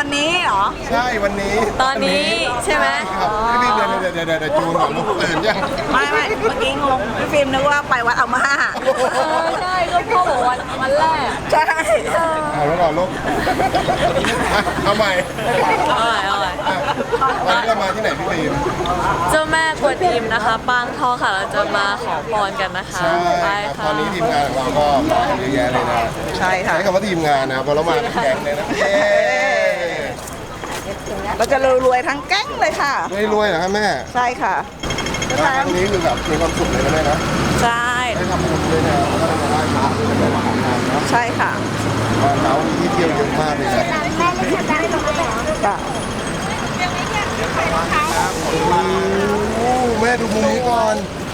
นี้เหรอใช่วันนี้ตอนนี้ใช่ไหมพี่ฟิล์มเดี๋ยวจูนก่อนลูกตื่นยังไม่เมื่อกี้งงพี่ฟิล์มนึกว่าไปวัดเอามาใช่ก็พ่อบอกวันแรกใช่เอาแล้วก่อนลูกเอาใหม่เอาใหม่วันนี้เรามาที่ไหนพี่ฟิล์มเจ้าแม่กวนอิมนะคะปางทองค่ะเราจะมาขอพรกันนะคะใช่ครับตอนนี้ทีมงานของเราก็เยอะแยะเลยนะใช่ค่ะใช้คำว่าทีมงานนะเพราะเรามาเป็นแก๊งเลยนะเราจะรวยๆทั้งแก๊งเลยค่ะรวยเหรอครับแม่ใช่ค่ะครั้งนี้คือแบบมีความสุขเลยนะแม่นะใช่ได้ทำบุญด้วยนะแล้วก็ได้มาไหว้พระด้วยนะมาของงานนะใช่ค่ะวันเรามีที่เที่ยวเยอะมากเลยนะแม่ดูมุมนี้ก่อน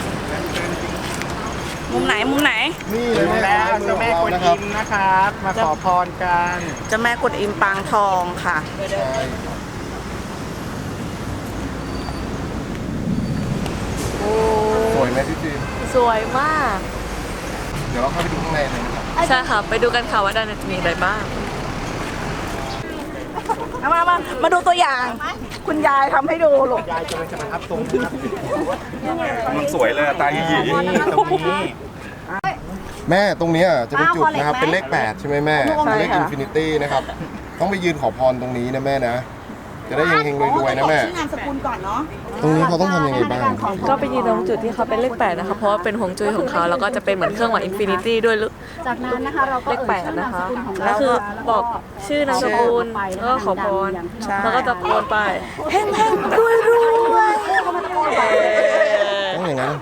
มุมไหนนี่เลยแม่เจ้าแม่กวนอิมนะครับมาขอพรกันเจ้าแม่กวนอิมปางทองค่ะสวยไหมพี่ฟิล์มสวยมากเดี๋ยวเราเข้าไปดูข้างในเลยนะครับใช่ค่ะไปดูกันค่ะว่าด้านในจะมีอะไรบ้างมาดูตัวอย่างคุณยายทำให้ดูลูกยายจะเป็นประทับตรงนะครับมันสวยเลยตาหยีตรงนี้แม่ตรงนี้จะเป็นจุดนะครับเป็นเลข8ใช่ไหมแม่เป็นเลขอินฟินิตี้นะครับต้องไปยืนขอพรตรงนี้นะแม่นะจะได้เฮงๆรวยๆนะแม่ชื่อนามสกุลก่อนเนาะตรงนี้เขาต้องทำยังไงบ้างก็ไปยืนตรงจุดที่เขาเป็นเลข8นะคะเพราะว่าเป็นฮวงจุ้ยของเขาแล้วก็จะเป็นเหมือนเครื่องหมายอินฟินิตี้ด้วยจากนั้นนะคะเราก็เลข8นะคะก็คือบอกชื่อนามสกุลแล้วก็ขอพรแล้วก็ตะโกนไปเฮงรวยต้องอย่างนั้น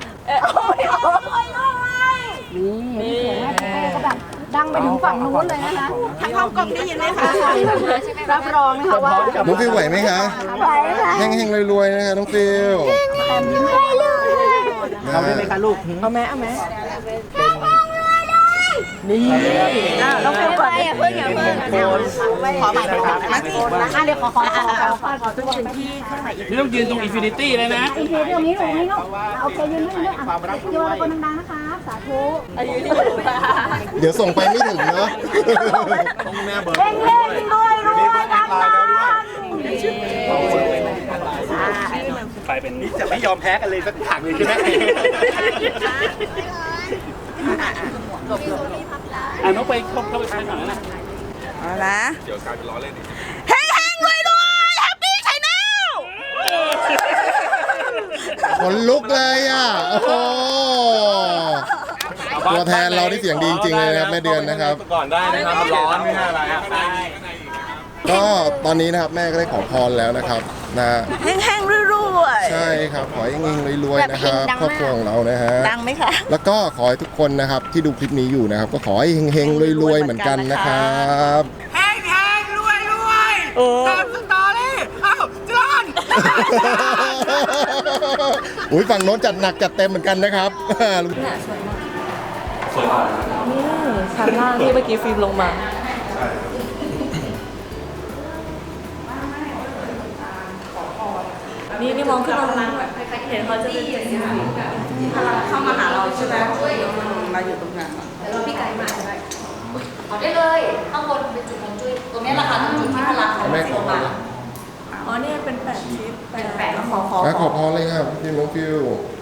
นี่เสียงแม่ก็แบบดังไปถึงฝั่งนู้นเลยนะคะทั้งห้องกล้องได้ยินไหมคะรับรองนะคะว่าน้องฟิวไหวไหมคะเฮงๆรวยๆนะคะน้องฟิวยิ้มได้เลยเอาได้ไหมคะลูกเอาแม่นี่เราไปก่อนอย่าเพิ่งขอใหม่ค่ะเดี๋ยวขอทุกคนที่เครื่องหมายนี่ต้องยืนตรงอินฟินิตี้เลยนะอินฟินิตี้ตรงนี้โอเคยืนด้วยโยนคนดังๆนะคะสาธุเดี๋ยวส่งไปไม่ถึงเนาะต้องแม่เบิร์ดเร่งด้วยดังไปเป็นนี้จะไม่ยอมแพ้กันเลยสักถังเลยใช่ไหมน้องไปเข้าไปทางไหนนะเอาละเดี๋ยวกลายเป็นล้อเล่นอีกเฮงรวยแฮปปี้ไชแนลขนลุกเลยอ่ะโอ้โหตัวแทนเราที่เสียงดีจริงๆเลยนะครับแม่เดือนนะครับก่อนได้นะครับร้อนไม่ใช่อะไรครับก็ตอนนี้นะครับแม่ก็ได้ขอพรแล้วนะครับนะเฮงรวยใช่ครับขอให้เฮงรวยๆนะครับครอบครัวของเรานะฮะดังไหมคะแล้วก็ขอให้ทุกคนนะครับที่ดูคลิปนี้อยู่นะครับก็ขอให้เฮงๆรวยๆเหมือนกันนะครับเฮงรวยตามสตอรี่อ้าวจอนอุ้ยฝั่งโน้นจัดหนักจัดเต็มเหมือนกันนะครับสวยมากนี่ชั้นล่างที่เมื่อกี้ฟิล์มลงมานี่มองขึ้นมาเห็นเขาจะเป็นเจ็ดสีพลังเข้ามาหาเราใช่ไหมมาอยู่ตรงนั้นแล้วพี่ไก่มาใช่ไหมเอาได้เลยข้างบนเป็นจุดของจุ้ยตรงนี้แหละค่ะจุดที่พลังของลงมาอ๋อเนี่ยเป็น8ทิศ 8 ขอพรเลยครับพี่น้องฟิว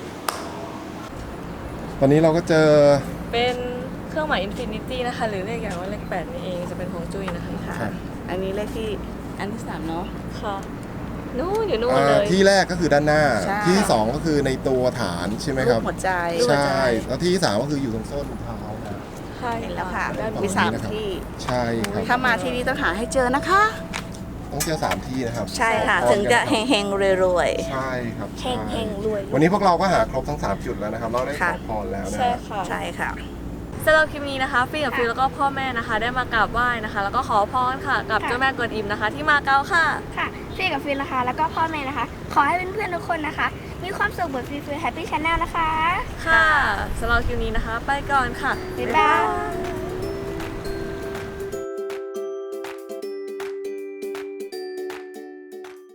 ตอนนี้เราก็เจอเป็นเครื่องหมายอินฟินิตี้นะคะหรือเรียกอย่างว่าเลข8นี่เองจะเป็นฮวงจุ้ยนะคะอันนี้เลขที่อันที่3เนาะค่ะนู่นอยู่นู่นเลยที่แรกก็คือด้านหน้าที่ที่2ก็คือในตัวฐานใช่ไหมครับหัวใจใช่แล้วที่ที่3ก็คืออยู่ตรงโซ่ถุงเท้านะเห็นแล้วค่ะมี3ที่ใช่ครับถ้ามาที่นี่ต้องหาให้เจอนะคะต้องเจอ3ที่นะครับใช่ค่ะถึงจะเฮงรวยใช่ครับเฮงรวยวันนี้พวกเราก็หาครบทั้ง3จุดแล้วนะครับเราได้ขอพรแล้วนะใช่ค่ะสำหรับคลิปนี้นะคะฟิล์มกับฟิลแล้วก็พ่อแม่นะคะได้มากราบไหว้นะคะแล้วก็ขอพรค่ะกับเจ้าแม่กวนอิมนะคะที่มาเก๊าค่ะค่ะฟิล์มกับฟิลนะคะแล้วก็พ่อแม่นะคะขอให้เพื่อนๆทุกคนนะคะมีความสุขเหมือนฟิลแฮปปี้ชาแนลนะคะค่ะสำหรับคลิปนี้นะคะไปก่อนค่ะบ๊ายบาย